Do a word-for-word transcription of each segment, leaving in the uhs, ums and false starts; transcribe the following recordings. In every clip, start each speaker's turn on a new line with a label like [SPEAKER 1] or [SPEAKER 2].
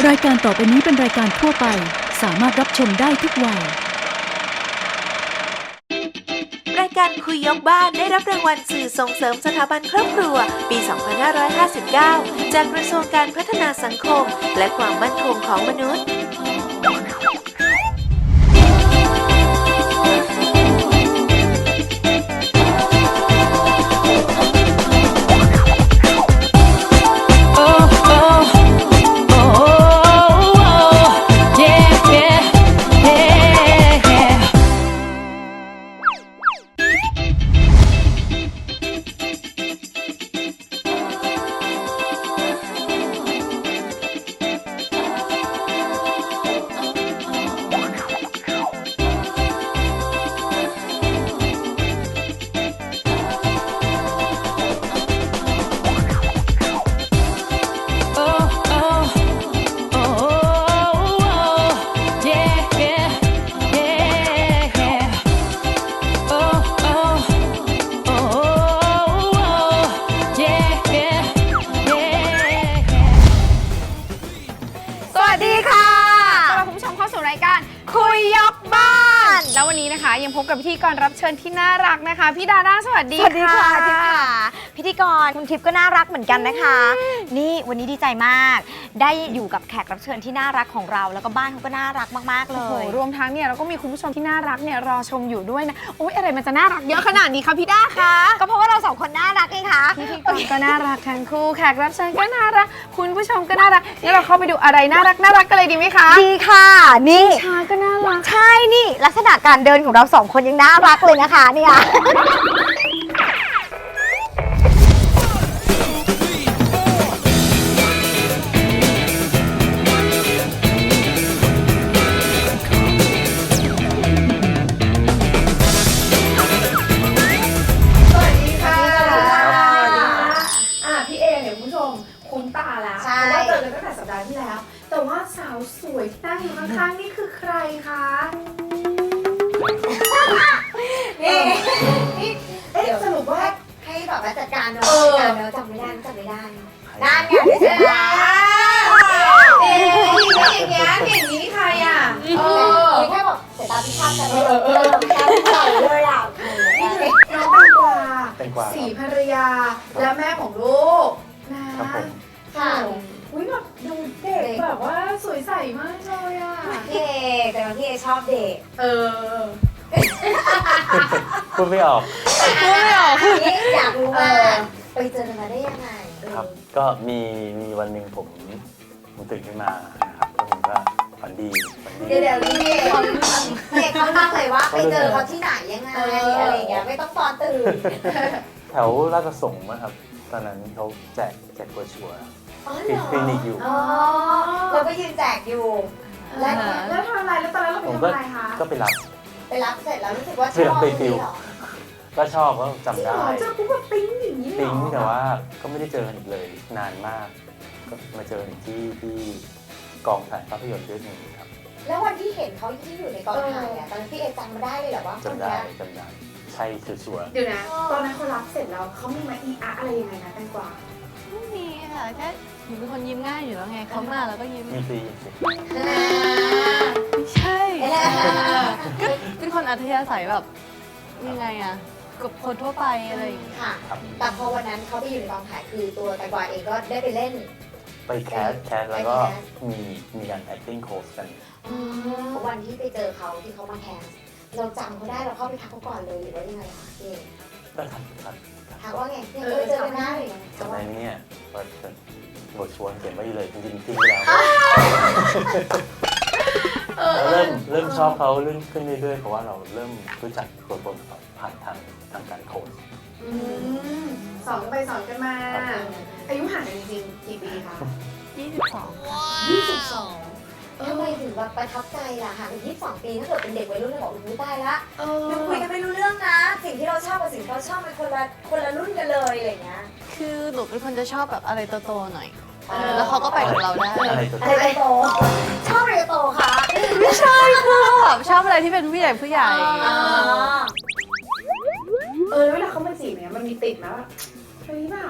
[SPEAKER 1] รายการต่อไปนี้เป็นรายการทั่วไปสามารถรับชมได้ทุกวัย
[SPEAKER 2] รายการคุยยกบ้านได้รับรางวัลสื่อส่งเสริมสถาบันครอบครัวปี สองพันห้าร้อยห้าสิบเก้า จากกระทรวงการพัฒนาสังคมและความมั่นคงของมนุษย์
[SPEAKER 3] แล้ววันนี้นะคะยังพบกับพิธีกรรับเชิญที่น่ารักนะคะพี่ดาด้าสวัสดี
[SPEAKER 4] สวัสดีค่ะทิพย์ค่ะพิธีกรคุณทิพย์ก็น่ารักเหมือนกันนะคะนี่วันนี้ดีใจมากได้อยู่กับแขกรับเชิญที่น่ารักของเราแล้วก็บ้านเขาก็น่ารักมากๆเล
[SPEAKER 3] โอ้
[SPEAKER 4] ย
[SPEAKER 3] รวมทั้งเนี่ยเราก็มีคุณผู้ชมที่น่ารักเนี่ยรอชมอยู่ด้วยนะโอ๊ยอะไรมันจะน่ารักเยอะขนาดนี้คะพี่ด้าคะ
[SPEAKER 4] ก็เพราะว่าเราสองคนน่ารักไงคะ
[SPEAKER 3] พิธีกรก็น่ารักทั้งคู่แขกรับเชิญก็น่ารักคุณผู้ชมก็น่ารักงั้นเราเข้าไปดูอะไรน่ารักน่ารักกันเลยดีไหมคะ
[SPEAKER 4] ดีค่ะนี่
[SPEAKER 3] ชาก็น่ารัก
[SPEAKER 4] ใช่นี่ลักษณะการเดินของเราสองคนยังน่ารักเลยนะคะเนี่ย
[SPEAKER 3] คุ้นตาแล้วเพราะว่าเจอกันตั้งแต่สัปดาห์ที่แล้วแต่ว่าสาวสวยที่นั่งอยู่ข้างๆนี่คือใครคะ
[SPEAKER 4] นี่
[SPEAKER 3] เอ๊ะสรุปว่า
[SPEAKER 4] ให้แบบว่าจัดการเนาะ
[SPEAKER 3] เออ
[SPEAKER 4] เนาะจำไม่ได้จำไม่ได้นั่นไงไม่ใช่
[SPEAKER 3] เอ๊ะอย่างเงี้ยอย่างนี้นี่ใครอ่ะเออ
[SPEAKER 4] แค่แบบสายตาพิฆาตกันเลยเออพิฆาตใส่เลยอ่ะ
[SPEAKER 3] นี่คือน้องแตงกวาสีภรรยาและแม่ของลูกนะครับผม
[SPEAKER 4] ค่ะ
[SPEAKER 3] อุ้ยแบบดูเด็กแบบว่าสวยใสมากเลยอ่ะ
[SPEAKER 4] พี่เอแต่ว่าพี่เอชอบเด็ก
[SPEAKER 3] เออ
[SPEAKER 5] พูดไม่ออก
[SPEAKER 4] พูดไม่ออกนี่อยากรู้ว่าไปเจอกันมาได้ยังไง
[SPEAKER 5] ครับก็มีมีวันหนึ่งผมผมตื่นขึ้นมานะครับแล้วผมก็ฝันดีฝันดี
[SPEAKER 4] เดี๋ยวเดี๋ยวนี่เด็กเขาเล่าเลยว่าไปเจอเขาที่ไหนยังไงอะไรอย่างเงี้ยไม่ต้องตอนตื่น
[SPEAKER 5] แถวราชประสงค์นะครับตอนนั้นเขาแจกแจกโบรชัวร์คลินิกอยู่
[SPEAKER 4] อ๋อเราก็ยืนแจกอยู่
[SPEAKER 3] แล้วแล้วทำอะไรแล้วตอนนั้นเราไปทำอะไรคะ
[SPEAKER 5] ก็ไปรับ
[SPEAKER 4] ไปรับเสร็จแล้วรู้สึกว่าชอบ
[SPEAKER 5] ฟิลก็ชอบก็จำได้
[SPEAKER 3] เจอปุ๊บก็ปิ๊งอย่างนี้เลย
[SPEAKER 5] ปิ๊งแต่ว่าก็ไม่ได้เจอกันอีกเลยนานมากก็มาเจอที่ที่กองถ่ายภาพยนตร์เรื่องนึงครับ
[SPEAKER 4] แล้ววันที่เห็นเขาที่อยู่ในกองถ่ายอ่ะตอนนั้นพี่เอจำมาได้เลยเหรอว่า
[SPEAKER 5] จำได้จำได้ใช่ชัวร์
[SPEAKER 3] เดี๋ยวนะตอนนั้นเขารับเสร็จแล้วเขามีมาอีอาอะไรยังไงนะแตงกวา
[SPEAKER 6] ไม่มีค่ะแค่หนูเป็นคนยิ้มง่ายอยู่แล้วไงเขามาแล้วก็ยิ้ม
[SPEAKER 5] มีซี
[SPEAKER 6] ไม่ใช่ก็เป็นคนอัธยาศัยแบบยังไงอะกับคนทั่วไปอะไรอย่างเงี้ย
[SPEAKER 4] ค่ะแต่พอวันนั้นเขาไปอยู่ในกองถ่ายคือตัวแตงกวาเองก็ได้ไปเล่น
[SPEAKER 5] ไปแคสแคสแล้วก็มีมีการ acting coach กัน
[SPEAKER 4] วันที่ไปเจอเขาที่เขามาแคสเราจำเขาได้เราเข้าไปทักเขาก่อนเลยหรือว่ายังไงคะเอง
[SPEAKER 5] ก็ทักทัก
[SPEAKER 4] ทักว่าไงเนี่ยเคยเจอกันได้
[SPEAKER 5] จำได้เนี่ยว่าบทชวนเขียนไว้เลยจริงๆทิ้งไปแล้วเริ่มเริ่มชอบเขาเรื่องขึ้นเรื่อยๆเพราะว่าเราเริ่มรู้จักตัวตนเขาผ่านทางทางการโค้ช
[SPEAKER 3] สอนกันไปสอนกันมาอายุห่างกันจริงๆกี่ปีคะ
[SPEAKER 6] ยี่สิบสอง
[SPEAKER 3] ยี่สิบสอง
[SPEAKER 4] ทำไมถึงแบบประทับใจล่ะห่างกันยี่สิบสองปีถ้าเกิดเป็นเด็กวัยรุ่นเราบอกอุ้ยตายละยังคุยกันไม่รู้เรื่องนะสิ่งที่เราชอบกับสิ่งที่เราชอบเป็นคนละคนละรุ่นกันเลยอะไรเงี้ย
[SPEAKER 6] คือหนูเป็นคนจะชอบแบบอะไรโตๆหน่อยแล้วเขาก็ไปกับเราได้
[SPEAKER 4] อะไรโตชอบอะไรโตคะ
[SPEAKER 6] ไม่ใช่คือแบบชอบอะไรที่เป็นผู้ใหญ่ผู้ใหญ่
[SPEAKER 3] เออเวลาเขามาจีบเนี่ยมันมีติดนะเฮ้ยเปล่า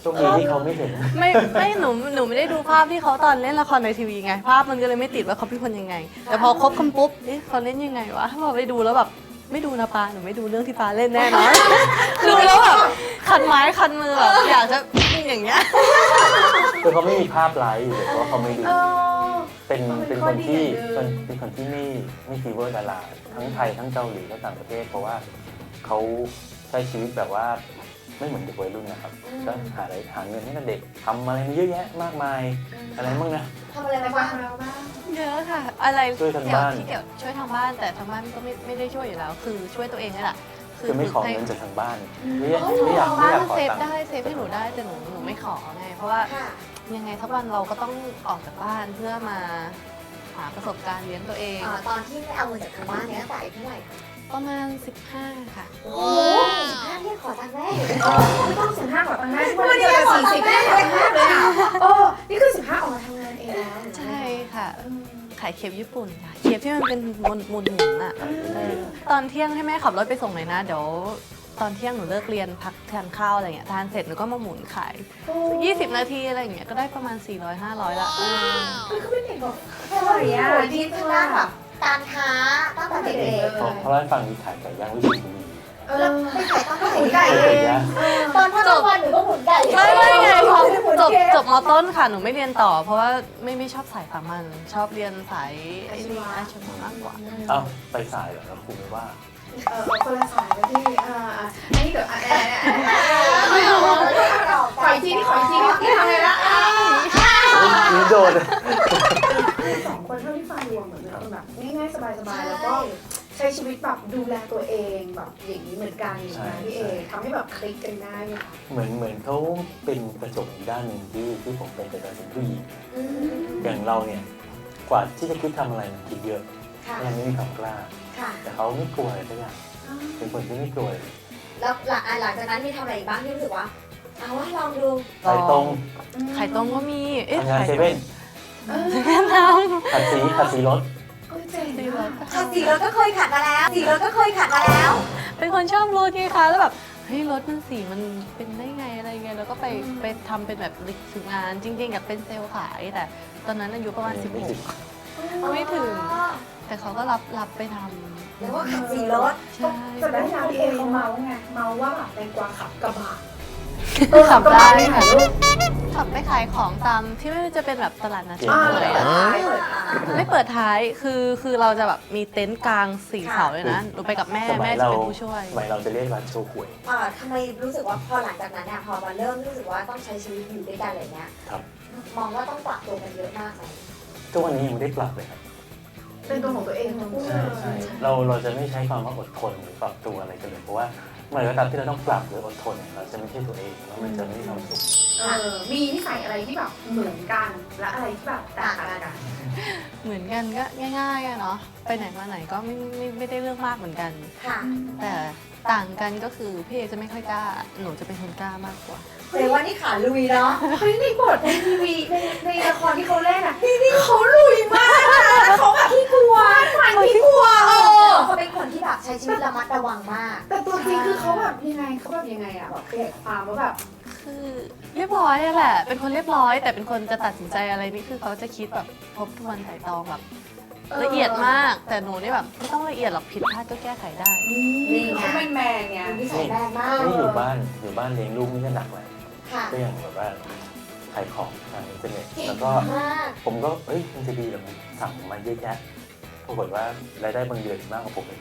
[SPEAKER 5] ช่วงนี้ที่เขาไม่เห็น
[SPEAKER 6] ไม่ไม่หนูหนูไม่ได้ดูภาพที่เขาตอนเล่นละครในทีวีไง ภาพมันก็เลยไม่ติดว่าเขาเป็นคนยังไง แต่พอคบกันปุ๊บเอ๊ะเขาเล่นยังไงวะพอไปดูแล้วแบบไม่ดูนะปาหนูไม่ดูเรื่องที่ปาเล่นแน่นอน ดูแล้วแบบคันไม้คันมือแบบอยากจะอย่างเงี้ย
[SPEAKER 5] คือเขาไม่มีภาพไลฟ์อยู่เลยเพราะว่าเขาไม่ดู
[SPEAKER 3] เออ
[SPEAKER 5] เป็น
[SPEAKER 3] มันเป็
[SPEAKER 5] เป็น น
[SPEAKER 3] ข้
[SPEAKER 5] ค
[SPEAKER 3] อน ดี
[SPEAKER 5] ที่
[SPEAKER 3] อย่างหนึ่ง
[SPEAKER 5] เป็นเป็นคนที่ไม่ไม่ฟีเวอร์ดาราทั้งไทยทั้งเกาหลีและต่างประเทศ เพราะว่าเขาใช้ชีวิตแบบว่าไม่เหมือนเด็กวัยรุ่นนะครับก็หาอะไรหาเงินให้กับเด็กทำอะไรเยอะแยะมากมายอะไรบ้างนะ
[SPEAKER 4] ทำอะไร
[SPEAKER 3] แต่
[SPEAKER 4] มา
[SPEAKER 3] ว่า
[SPEAKER 4] บ้าง
[SPEAKER 3] ทำแล้วบ้าง
[SPEAKER 6] เยอะค่ะ อะไร
[SPEAKER 5] ช่วยทางบ้าน
[SPEAKER 6] ที่เกี่ยวช่วยทางบ้านแต่ทางบ้านก็ไม่ไม่ได้ช่วยอยู่แล้ว คือช่วยตัวเองนี่แหละ
[SPEAKER 5] คือไม่ขอ
[SPEAKER 6] ให้
[SPEAKER 5] เงินจากทางบ้านไม่อยากไม่อยากไม่
[SPEAKER 6] บ้า
[SPEAKER 5] อน ยากขอ
[SPEAKER 6] เซฟ
[SPEAKER 5] ตังค์
[SPEAKER 6] ได้เซฟให้หนูได้แต่หนูหนูไม่ขอไงเพราะว่า
[SPEAKER 4] ค่ะ
[SPEAKER 6] ยังไงสักวันเราก็ต้องออกจากบ้านเพื่อมาหาประสบการณ์เลี้ยงตัวเอง
[SPEAKER 4] อ่าตอนที่ไม่เอาเงินจากทางบ้านเนี่ยตั้งแต่อายุเท่าไหร่คะ
[SPEAKER 6] ประมาณสิบห้าค่ะ
[SPEAKER 4] โอ้สิบห้าเนี่ยขอตังค์แม่
[SPEAKER 3] ไม่ต้องสิบห้าก่อนตั้งได้ทุกวันนี้เจอสี่สิบได้เลยเลยอ่ะโอ้นี่คือสิบห้าออกมาทำงานเองแล้ว
[SPEAKER 6] ใช่ค่ะ ขายเคปญี่ปุ่นค่ะ เคปที่มันเป็นมนมุนหมุนอ่ะเออตอนเที่ยงให้แม่ขับรถไปส่งหน่อยนะ เดี๋ยวตอนเที่ยงหนูเลิกเรียนพักทานข้าวอะไรเงี้ย ทานเสร็จหนูก็มาหมุนขาย ยี่สิบ นาทีอะไรอย่างเงี้ย ก็ได้ประมาณ สี่ร้อยห้าร้อย ละเออ
[SPEAKER 3] คือเขาเป็นเด็กแบบ
[SPEAKER 4] สวยอ่ะดีทางด้านแบบการค้าตั้งแต่เด็ก
[SPEAKER 5] เพราะเพราะว่าฟังมีขายไก่ย่างวิชิบุรี
[SPEAKER 3] เอ
[SPEAKER 4] ๆแล้ว
[SPEAKER 3] อ
[SPEAKER 4] ไปขายตอนเท่าไหร่
[SPEAKER 3] หมุนไก่
[SPEAKER 5] ไก่ย่าง
[SPEAKER 4] ตอนพ่อทำวันหนูก็หมุนไก่
[SPEAKER 6] ไม่ไม่ไงพอ
[SPEAKER 4] หมุน
[SPEAKER 6] จบ
[SPEAKER 4] เค้ก
[SPEAKER 6] จบมต้นค่ะ หนูไม่เรียนต่อ เพราะว่าไม่ไม่ชอบสายสามัญชอบเรียนสายไอ้นี่อาชีวะมากกว่า
[SPEAKER 5] เอ้าไปสายเหรอแล้วครูไม่ว่า
[SPEAKER 3] เออคนละสายกันที่อ่าอ่าอันนี้เดี๋ยวอ่ะอ่ะอ่ะ
[SPEAKER 4] ไม่เอาไม่เอา
[SPEAKER 3] ขออีกทีนี่ขออีกทีนี่ที่ทำไงละอ่ะ
[SPEAKER 5] นี่โดน
[SPEAKER 3] สองคนเท่าที่ฟังรวมเหมือนเป็นคนแบบง่ายๆสบายๆแล้วก็ใช้ชีวิตแบบดูแลตัวเองแบบอย่างนี้เหมือนกันอย่างนี้พี่เอทำให้แบบคลิกกันได้ไหมคะ
[SPEAKER 5] เหมือนเหมือนเขาเป็นกระจกอีกด้านหนึ่งที่ที่ผมเป็นแต่ตอนเป็นผู้หญิง
[SPEAKER 4] อืม
[SPEAKER 5] อย่างเราเนี่ยกว่าที่จะคิดทำอะไรมันคิดเยอะ
[SPEAKER 4] ค่ะ
[SPEAKER 5] ยังไม่มีความกล้า
[SPEAKER 4] ค่ะ
[SPEAKER 5] แต่เขาไม่กลัวอะไรสักอย่างเป็นคนที่ไม่กลัวเลย
[SPEAKER 4] แล้วหลังอ่ะหลังจากนั้นมีทำอะไรอีกบ้างที่รู้สึกว่า เอาว่าลองดู
[SPEAKER 5] ไปตรง
[SPEAKER 6] ไข่ต้มก็มี เอ๊ะ
[SPEAKER 5] ทำงาน
[SPEAKER 6] ไข่
[SPEAKER 5] เซ
[SPEAKER 6] ต้ม
[SPEAKER 5] เว่น
[SPEAKER 3] เออ
[SPEAKER 6] เซเว่นท
[SPEAKER 5] ขัดสีขัดสีรถ
[SPEAKER 3] ก็เจ๋งนะ
[SPEAKER 4] ขัดสีรถก็เคยขัดมาแล้วสีรถก็เคยขัดมาแล้ว
[SPEAKER 6] ำเป็นคนชอบรถไงคะ แล้วแบบ เฮ้ยรถมันสีมันเป็นได้ไงอะไรไง แล้วก็ไปไปทำเป็นแบบฝึกงาน จริงๆอยากเป็นเซลล์ขาย แต่ตอนนั้นอายุประมาณสิบหก ไม่ถึง แต่เขาก็รับรับไปทำ
[SPEAKER 4] แล้วก็ขัดสีรถ
[SPEAKER 6] ใช่
[SPEAKER 3] แต่ได้ยาพี่เอเขาเมาไงเมาว่าแบบแตงกวาขับกระบะ
[SPEAKER 6] ขับได้
[SPEAKER 3] ค่ะ
[SPEAKER 6] ค่ะ
[SPEAKER 3] ลูก
[SPEAKER 6] ขับไปขายของตามที่ไม่ว่าจะเป็นแบบตลาดนัด
[SPEAKER 3] อ่า
[SPEAKER 6] เฉย
[SPEAKER 3] เปิด
[SPEAKER 6] ๆอะ
[SPEAKER 3] ท้ายเปิดท้าย
[SPEAKER 6] ไม่เปิดท้าย คือคือเราจะแบบมีเต็นท์กลางสี่
[SPEAKER 4] ค่ะ
[SPEAKER 6] เสาเลยนะหนูไปกับแม่
[SPEAKER 5] สมั
[SPEAKER 6] แม่
[SPEAKER 5] ย
[SPEAKER 6] จะ
[SPEAKER 5] เรา
[SPEAKER 6] เป็นผู้ช่วย
[SPEAKER 5] สมัยเราจะเรียกร้านโชว์หวย
[SPEAKER 4] อ่าทำไมรู้สึกว่าพอหลังจากนั้นเนี่ยพอมาเริ่มรู้สึกว่าต้องใช้ชีวิตอยู่ด้วยกันอะไรเงี้ย
[SPEAKER 5] ครับ
[SPEAKER 4] มองว่าต้องปรับตัวกันเยอะมากไหม
[SPEAKER 5] ทุกวันนี้ยังไม่ได้ปรับเลยครับ
[SPEAKER 3] เป็นตัวของตัวเองทั้งคู่เล
[SPEAKER 5] ใช่
[SPEAKER 3] ย
[SPEAKER 5] ใช่เราเราจะไม่ใช้ความว่าอดทนหรือปรับตัวอะไรกันเลยเพราะว่าเมื่อไหร่ก็ตามที่เราต้องปรับหรืออดทนเนี่ยเราจะไม่ใช่ตัวเองแล้วมันจะไม่มีความสุข
[SPEAKER 3] เออมีนิสัยอะไรที่แบบเหมือนกันและอะไรที่แบบต่างกัน
[SPEAKER 6] เหมือนกันก็ง่ายๆอะเนาะไปไหนมาไหนก็ไม่ไม่ไม่ได้เรื่องมากเหมือนกัน
[SPEAKER 4] ค่ะ
[SPEAKER 6] แต่ต่างกันก็คือพี่เอจะไม่ค่อยกล้า หนูจะเป็นคนกล้ามากกว่า
[SPEAKER 4] แสดงว่านี่ขาลุยเนาะ
[SPEAKER 3] เฮ้ยในบทในทีวีในในละครที่เขาเล่นอ่ะนี่เขาลุยมากนะเขาแบบขี้กลัวขวัญขี้กลัวเออ
[SPEAKER 4] เขาเป็นคนที่แบบใช้ชีวิตระมัดระวังมาก
[SPEAKER 3] แต่ตัวจริงคือเขาแบบยังไงเขาแบบยังไงอ่ะแบบขยายความว่าแบบ
[SPEAKER 6] คือเรียบร้อยอะแหละ เป็นคนเรียบร้อย แต่เป็นคนจะตัดสินใจอะไรนี่คือเขาจะคิดแบบทบทวนไตร่ตรองแบบละเอียดมาก แต่หนูนี่แบบไม่ต้องละเอียดหรอกผิดพลาดก็แก้ไขได้
[SPEAKER 3] นี่เขาเป็นแมนไง
[SPEAKER 4] นิสัยแรงมาก
[SPEAKER 5] นี่อยู่บ้านอยู่บ้านเลี้ยงลูกนี่ก็หนักเลย
[SPEAKER 4] ค่ะ
[SPEAKER 5] ก็อย่างแบบว่าขายของทางอินเทอร์เน็ต
[SPEAKER 4] เก่ง
[SPEAKER 5] แล้วก็
[SPEAKER 4] มาก
[SPEAKER 5] ผมก็เอ้ยมันจะดีเหรอมันสั่งมาเยอะแยะปรากฏว่ารายได้บางเดือนมากกว่าผมเลย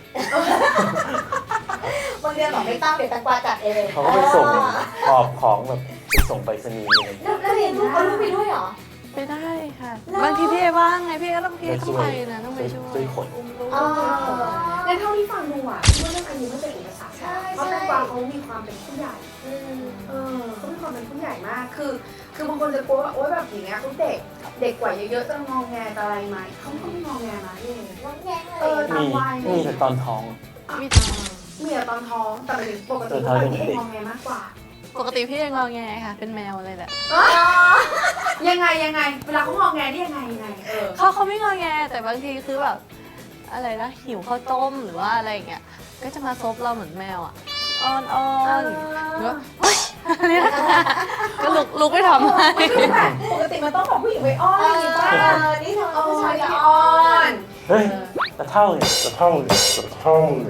[SPEAKER 4] บางเดือนบอกไม่ต้องเดี๋ยวแตงกวาจัดเอง
[SPEAKER 5] เขาก็ไปส่งหอบของแบบไปส่งไปรษณีย์อะไรอย่าง
[SPEAKER 4] แล้
[SPEAKER 5] เงี้
[SPEAKER 4] วย แล้วเรียนลูกเอาลูกไปด้วยเหรอ
[SPEAKER 6] ไปได้ค่ะ
[SPEAKER 4] หรอ
[SPEAKER 6] บางทีพี่เอว่างไงพี่เอก็ต้องพี่เอ
[SPEAKER 5] ไป
[SPEAKER 6] ต้
[SPEAKER 5] ช่
[SPEAKER 6] อง
[SPEAKER 5] วย
[SPEAKER 6] ไปนะต้องไปช่วย
[SPEAKER 5] ช่วยขน
[SPEAKER 6] อุ้มลูก
[SPEAKER 4] อ๋อ
[SPEAKER 3] งั้นเท่าที่ฟังดูอ่ะคิดว่าเรื่องอายุไม่เป็นอุปสรรค
[SPEAKER 4] ใช่
[SPEAKER 3] เพราะ
[SPEAKER 4] ใช่
[SPEAKER 3] แตงกวาเขามีความเป็นผู้ใหญ่
[SPEAKER 4] อืม
[SPEAKER 3] เออเขามีความเป็นผู้ใหญ่มาก คือ คือบางคนจะกลัวว่าโอ๊ยแบบอย่างเงี้ยเขาเด็ก เด็กกว่าเยอะๆจะงองแงจะอะไรไหมเขาก็ไม่งองแงมาพี่เอง
[SPEAKER 4] น้องแย้ง
[SPEAKER 3] เอ
[SPEAKER 4] เล
[SPEAKER 3] อ
[SPEAKER 4] ย
[SPEAKER 3] ตาม
[SPEAKER 5] มี
[SPEAKER 3] วัย
[SPEAKER 5] มีแต่ตอนท้อง
[SPEAKER 6] มีทาง
[SPEAKER 3] มีแต่ตอนท้อง แต่หมายถึงปกติ
[SPEAKER 5] ตอนท้
[SPEAKER 3] ทุ
[SPEAKER 5] อง
[SPEAKER 3] กวัน
[SPEAKER 5] ยัง
[SPEAKER 3] ที่
[SPEAKER 5] เด็
[SPEAKER 3] เอง
[SPEAKER 5] ก
[SPEAKER 3] งองแงมากกว่า
[SPEAKER 6] ปกติพี่เองอแงค่ะ เป็นแมวเลยแหละ
[SPEAKER 3] ยังไงยังไง เวลาเขางองแงนี่ยังไงยังไง เออ
[SPEAKER 6] เขาเขาไม่งอแงแต่บางทีคือแบบอะไรนะหิวข้าวต้มหรือว่าอะไรอย่างเงี้ยก็จะมาซบเราเหมือนแมวอ่ะอ้อนอ้อนหรือว่าเฮ้ยก็ลุกลุกไปทำให้
[SPEAKER 3] ปกติมันต้องของผู้หญิงไปอ้อนอะไรอย่างงี้ป่ะ
[SPEAKER 4] เออนี่ทำไมผู้ชายจะ
[SPEAKER 3] จะ
[SPEAKER 4] อ้
[SPEAKER 3] อ้
[SPEAKER 4] อ
[SPEAKER 3] อน น
[SPEAKER 5] เฮ้ยตะเท่าเนี่ยตะเท่าเนี่ยตะเท่าเนี่ย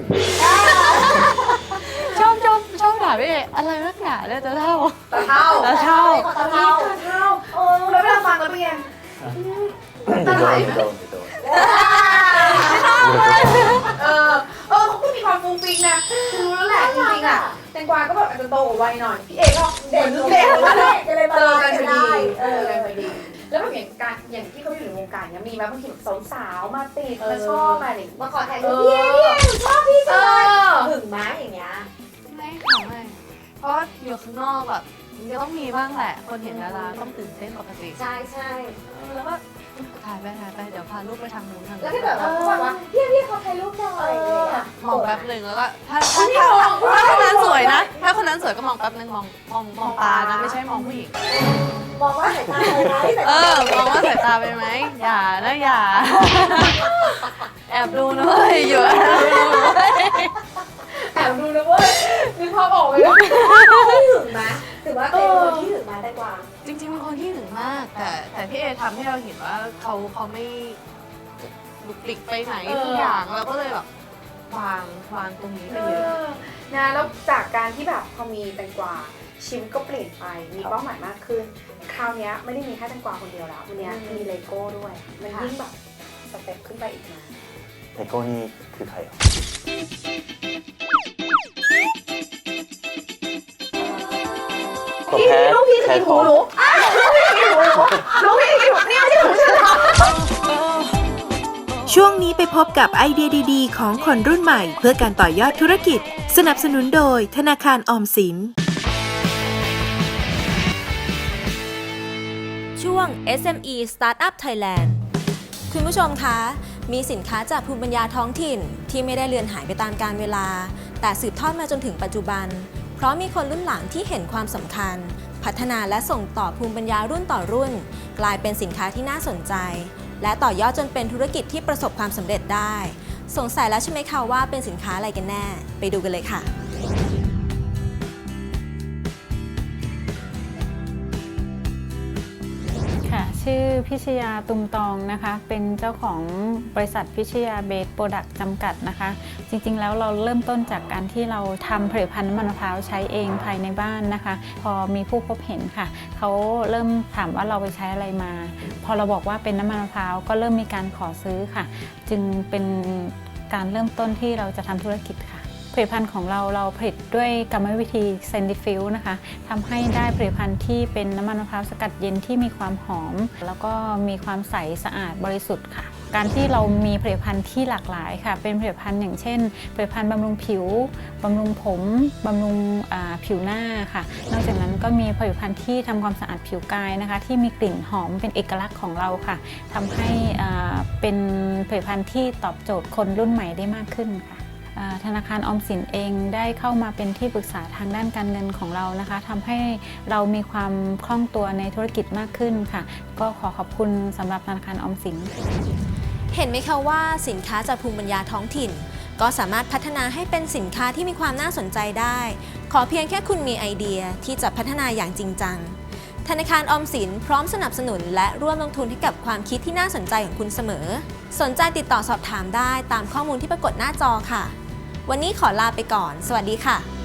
[SPEAKER 6] ชอบชอบชอบด่าพี่เออะไรนักหนาเนี่ยจะเท่า
[SPEAKER 3] ตะเท่า
[SPEAKER 6] ตะเท่า
[SPEAKER 3] ตะเท่าตะเท่าเออแล้วเวลาฟังแล้วเป็นไง
[SPEAKER 5] จะโดนจะโดนจะโดน
[SPEAKER 3] เออ เออเขาก็มีความฟุ้งฟิ้งนะคือรู้แล้วแหละจริงๆอ่ะแตงกวาก็แบบอาจจะโตกว่าวัยหน่อย พี่เอก็เด็กเด็กมาเลย
[SPEAKER 4] จะเลยมา
[SPEAKER 3] เจอ
[SPEAKER 4] กั
[SPEAKER 3] กัน
[SPEAKER 4] น
[SPEAKER 3] พอ
[SPEAKER 4] ได้
[SPEAKER 3] ดี
[SPEAKER 4] เอ
[SPEAKER 3] เจอ
[SPEAKER 4] อ
[SPEAKER 3] กันพอดี แล้วแบบอย่างการอย่างที่เขาอยู่ในวงการเนี้ยมีไหมบางทีแบบสาวๆมาติดมาชอบมาอะไรอย่างเงี้ย
[SPEAKER 4] มาขอถ่ายรูปพี่พี่หนูชอบพี่
[SPEAKER 3] เอ
[SPEAKER 4] จังเลย
[SPEAKER 3] อ
[SPEAKER 4] หึงไหมอย่างเงี้ย
[SPEAKER 6] ไม่ค่ะไม่เพราะอยู่ข้างนอกแบบมันก็ต้องมีบ้างแหละ คนเห็นดาราต้องตื่นเต้นปกติ
[SPEAKER 4] ใช่ใช่
[SPEAKER 6] แล้วก็ถ่ายไปถ่ายไปเดี๋ยวพาลูกไปทางนู้นทาง
[SPEAKER 4] แล้ว
[SPEAKER 6] นี้
[SPEAKER 4] ถ้าแบบว่าเขาบอกว่าพี่พี่เขาถ่ายรูปหน่อยอะไรอย่างเงี้ย
[SPEAKER 6] มองแป๊บหนึ่งแล้วก็ถ้าถ้าถ้าถ้าคนนั้นสวยนะ ถ้าคนนั้นสวยก็มองแป๊บหนึ่งมองมองมองตานะไม่ใช่มองผู้หญิง
[SPEAKER 4] มองว่าสายตาอะไรไหมสาย
[SPEAKER 6] เอ
[SPEAKER 4] ตา
[SPEAKER 6] อ มองว่าสายตาไปไหม อย่านะอย่า แอบดูนะเว้ยอยู่แอบดูนะเว้ย
[SPEAKER 3] แอบดูนะเว้ยนึกภาพออกเลยนะ
[SPEAKER 4] พี่หึงไหมถือว่าเป็นคนที่หึงไหมได้กว่า
[SPEAKER 6] จริงๆเป็นคนที่ถึงมาก แต่แต่พี่เอทำให้เราเห็นว่าเขาเขาไม่ลุกลิกไปไหนทุกอย่างเราก็เลยแบบวางวางตรงนี้ไป
[SPEAKER 3] เอ
[SPEAKER 6] เยอะ
[SPEAKER 3] อนะแล้วจากการที่แบบพอมีแตงกวาชีวิตก็เปลี่ยนไป มีเป้าหมายมากขึ้น คราวเนี้ยไม่ได้มีแค่แตงกวาคนเดียวแล้ววันเนี้ยมีเลโก้ด้วย มันยิ่งแบบสเต็ปขึ้นไปอีกนะ
[SPEAKER 5] ไอโก้นี่คือใครอ่ะ
[SPEAKER 3] พี่ลูกพี่จะกินหูหนูอ้าวลูกพี่จะกินหูหนูลูกพี่จะกินหูเนี่ยที่หนูฉันเหรอ
[SPEAKER 2] ช่วงนี้ไปพบกับไอเดียดีๆ ของคนรุ่นใหม่ เพื่อการต่อยอดธุรกิจ สนับสนุนโดยธนาคารออมสิน
[SPEAKER 7] ช่วง เอส เอ็ม อี Startup Thailand คุณผู้ชมคะ มีสินค้าจากภูมิปัญญาท้องถิ่นที่ไม่ได้เลือนหายไปตามกาลเวลา แต่สืบทอดมาจนถึงปัจจุบัน เพราะมีคนรุ่นหลังที่เห็นความสำคัญ พัฒนาและส่งต่อภูมิปัญญารุ่นต่อรุ่น กลายเป็นสินค้าที่น่าสนใจ และต่อยอดจนเป็นธุรกิจที่ประสบความสำเร็จได้ สงสัยแล้วใช่ไหมคะว่าเป็นสินค้าอะไรกันแน่ ไปดูกันเลยค่ะ
[SPEAKER 8] ค่ะชื่อพิชยาตุมตองนะคะเป็นเจ้าของบริษัทพิชยาเบสโปรดักต์จำกัดนะคะจริงๆแล้วเราเริ่มต้นจากการที่เราทำผลิตภัณฑ์น้ำมันมะพร้าวใช้เองภายในบ้านนะคะพอมีผู้พบเห็นค่ะเขาเริ่มถามว่าเราไปใช้อะไรมา พอเราบอกว่าเป็นน้ำมันมะพร้าวก็เริ่มมีการขอซื้อค่ะจึงเป็นการเริ่มต้นที่เราจะทำธุรกิจค่ะผลิตภัณฑ์ของเราเราผลิตด้วยกรรมวิธีเซนดิฟิลนะคะทำให้ได้ผลิตภัณฑ์ที่เป็นน้ำมันมะพร้าวสกัดเย็นที่มีความหอมแล้วก็มีความใสสะอาดบริสุทธิ์ค่ะการที่เรามีผลิตภัณฑ์ที่หลากหลายค่ะเป็นผลิตภัณฑ์อย่างเช่นผลิตภัณฑ์บำรุงผิวบำรุงผมบำรุงผิวหน้าค่ะนอกจากนั้นก็มีผลิตภัณฑ์ที่ทำความสะอาดผิวกายนะคะที่มีกลิ่นหอมเป็นเอกลักษณ์ของเราค่ะทำให้เป็นผลิตภัณฑ์ที่ตอบโจทย์คนรุ่นใหม่ได้มากขึ้นค่ะธนาคารออมสินเองได้เข้ามาเป็นที่ปรึกษาทางด้านการเงินของเรานะคะทำให้เรามีความคล่องตัวในธุรกิจมากขึ้นค่ะก็ขอขอบคุณสำหรับธนาคารออมสิน
[SPEAKER 7] เห็นไหมคะว่าสินค้าจากภูมิปัญญาท้องถิ่น ก็สามารถพัฒนาให้เป็นสินค้าที่มีความน่าสนใจได้ ขอเพียงแค่คุณมีไอเดียที่จะพัฒนาอย่างจริงจังธนาคารออมสินพร้อมสนับสนุนและร่วมลงทุนให้กับความคิดที่น่าสนใจของคุณเสมอสนใจติดต่อสอบถามได้ตามข้อมูลที่ปรากฏหน้าจอค่ะวันนี้ขอลาไปก่อนสวัสดีค่ะ